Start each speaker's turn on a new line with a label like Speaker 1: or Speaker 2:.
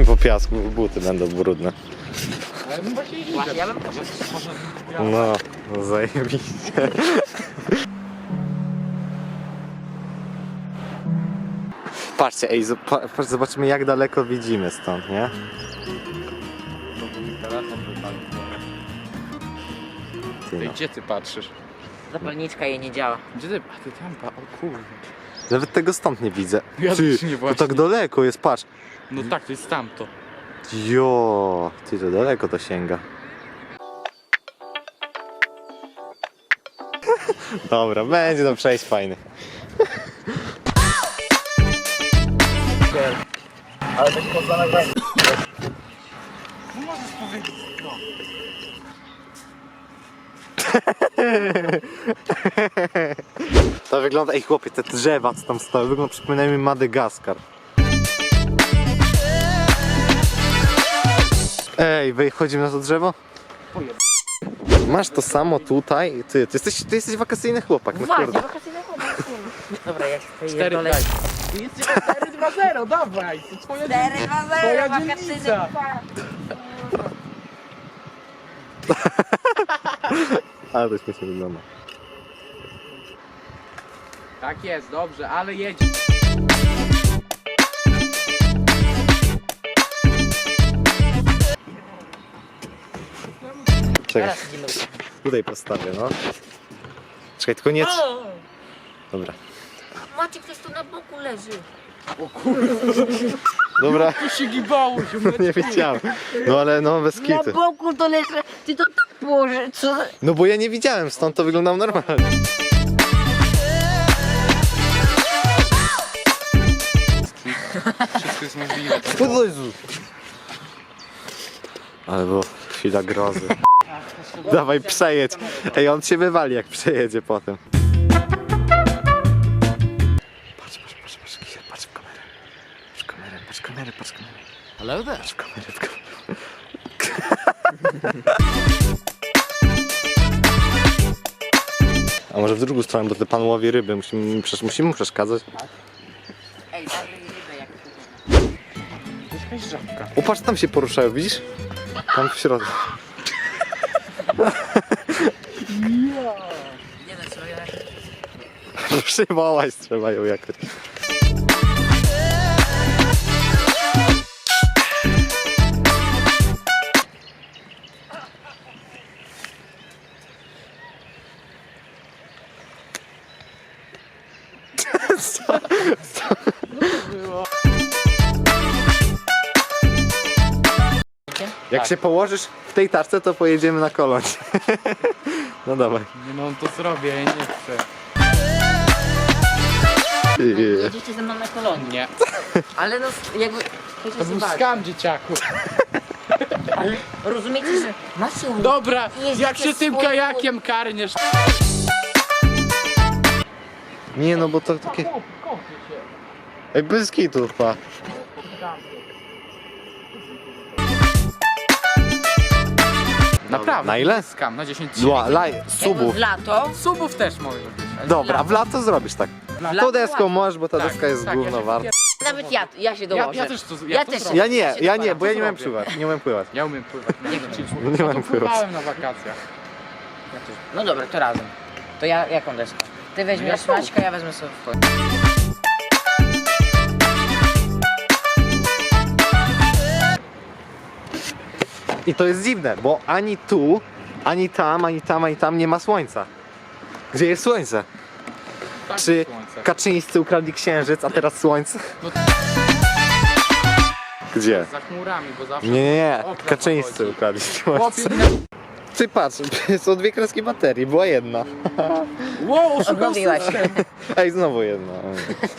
Speaker 1: mi po piasku, buty będą brudne.
Speaker 2: Ja bym
Speaker 1: No, zajebiście. Patrzcie, ej, zobaczymy jak daleko widzimy stąd, nie? Ty no.
Speaker 3: Gdzie ty patrzysz?
Speaker 2: Zapalniczka jej nie działa.
Speaker 3: Gdzie ty? A ty tam o kurde.
Speaker 1: Nawet tego stąd nie widzę.
Speaker 3: Ja
Speaker 1: Ty,
Speaker 3: też nie
Speaker 1: to
Speaker 3: właśnie.
Speaker 1: tak daleko jest, patrz.
Speaker 3: No tak, to jest tamto.
Speaker 1: Jo, ty to daleko to sięga. Dobra, będzie to przejść fajny.
Speaker 2: Ale to się poza nagranie.
Speaker 3: No możesz powiedzieć, no.
Speaker 1: To wygląda, ej chłopie, te drzewa co tam stoją, wygląda, przypominają mi Madagaskar. Ej, wychodzimy na to drzewo? Masz to samo tutaj, ty jesteś wakacyjny chłopak, no
Speaker 2: Uważnie,
Speaker 1: kurde.
Speaker 2: wakacyjne chłopaki. Dobra, ja się tutaj
Speaker 3: 4,
Speaker 2: dole.
Speaker 3: daj. Jest 4-2-0, dawaj. To twoja
Speaker 2: 4-2-0,
Speaker 3: twoja
Speaker 2: wakacyjny
Speaker 3: dzielnica.
Speaker 1: Ale to śmiesznie wygląda.
Speaker 3: Tak jest, dobrze, ale jedzie.
Speaker 1: Czekaj,
Speaker 2: Teraz idziemy.
Speaker 1: tutaj postawię, no. Czekaj, tylko nie... Dobra.
Speaker 2: Macie, ktoś tu na boku leży.
Speaker 1: Dobra,
Speaker 3: Tu się gibało,
Speaker 1: nie wiedziałem. No ale no bez
Speaker 2: Na
Speaker 1: kitu.
Speaker 2: boku to leży. Ty to tak położy. Co?
Speaker 1: No bo ja nie widziałem, stąd to wyglądało normalnie.
Speaker 3: Wszystko jest możliwe.
Speaker 1: O Jezu. Ale było chwila grozy. Dawaj, przejedź. Ej, on się wywali jak przejedzie potem. Patrz, Kizer, patrz w kamerę. Patrz w kamerę.
Speaker 3: Hello there.
Speaker 1: Patrz w kamerę. A może w drugą stronę, bo ten pan łowi ryby. Musimy mu przeszkadzać.
Speaker 2: Ej, daj rybę jak
Speaker 3: To jest jakaś żabka.
Speaker 1: Upatrz, tam się poruszają, widzisz? Tam w środku.
Speaker 2: nie wiem co ja.
Speaker 1: Przywołać trzeba ją jakoś. Co? Jak się położysz w tej tarce, to pojedziemy na kolonie. No dawaj.
Speaker 3: Nie no, to zrobię, ja nie chcę.
Speaker 2: Jedziecie ze mną na kolonie.
Speaker 3: Nie.
Speaker 2: Ale no jakby...
Speaker 3: To był skam, dzieciaku.
Speaker 2: Ale rozumiecie, że macie łódkę.
Speaker 3: Dobra,
Speaker 2: Jeździcie
Speaker 3: jak się tym
Speaker 2: swoim
Speaker 3: kajakiem karniesz.
Speaker 1: Nie no, bo to takie... Ej, bez kitu, pa.
Speaker 3: Naprawdę.
Speaker 1: Na ile?
Speaker 3: Skam, na 10
Speaker 2: Jakby
Speaker 1: Subów.
Speaker 2: w lato.
Speaker 3: Subów też może być. ale
Speaker 1: Dobra, w lato zrobisz tak.
Speaker 2: lato
Speaker 1: To deską
Speaker 2: ładnie.
Speaker 1: możesz, bo ta
Speaker 3: Tak,
Speaker 1: deska jest
Speaker 3: tak,
Speaker 1: gówno
Speaker 3: ja się
Speaker 1: warta.
Speaker 2: Nawet ja się dołożę.
Speaker 3: Ja też to
Speaker 2: Ja
Speaker 3: to
Speaker 2: też.
Speaker 3: zrobię.
Speaker 1: Ja nie, bo ja nie umiem
Speaker 3: zrobię.
Speaker 1: pływać. Nie umiem pływać.
Speaker 3: Ja umiem pływać.
Speaker 1: Nie umiem pływać.
Speaker 3: Pływałem na wakacjach.
Speaker 2: No dobra, to razem. To ja jaką deskę? Ty weźmiesz
Speaker 3: Ja
Speaker 2: Maćka, ja wezmę sobie w
Speaker 1: I to jest dziwne, bo ani tu, ani tam, ani tam, ani tam nie ma słońca. Gdzie jest słońce?
Speaker 3: Tak,
Speaker 1: Czy
Speaker 3: słońce.
Speaker 1: Kaczyńscy ukradli księżyc, a teraz słońce?
Speaker 3: No,
Speaker 1: Gdzie?
Speaker 3: za chmurami, bo zawsze...
Speaker 1: Nie.
Speaker 3: Okres
Speaker 1: Kaczyńscy
Speaker 3: zachodzi.
Speaker 1: ukradli
Speaker 3: Chłopie,
Speaker 1: słońce. Ty patrz, są dwie kreski baterii, była jedna.
Speaker 3: wow, szukam
Speaker 2: Odmówiłaś.
Speaker 1: Ej, znowu jedna.